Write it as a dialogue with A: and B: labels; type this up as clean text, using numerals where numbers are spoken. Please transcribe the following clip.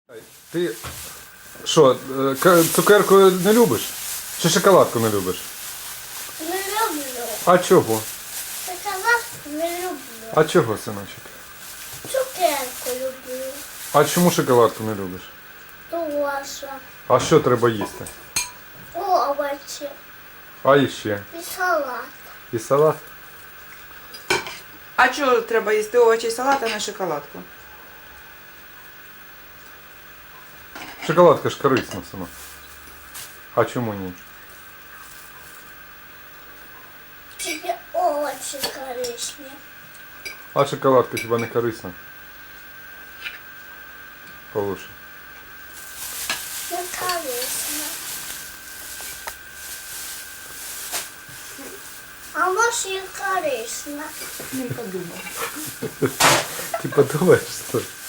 A: Ти що, цукерку не любиш? Чи шоколадку не любиш?
B: Не люблю.
A: А чого?
B: Шоколадку не люблю.
A: А чого, синочок?
B: Цукерку люблю.
A: А чому шоколадку не любиш?
B: Тоже.
A: А що треба їсти?
B: Овочі.
A: А іще?
B: І салат.
A: І салат?
C: А чого треба їсти овочі і салат, а не шоколадку?
A: Шоколадка ж корисна сама. А чому ні?
B: Тобі овочі корисні.
A: А шоколадка хіба не корисна? Полуше.
B: Не корисно. А може і корисно.
C: Не подумав.
A: Ти подумаєш, що?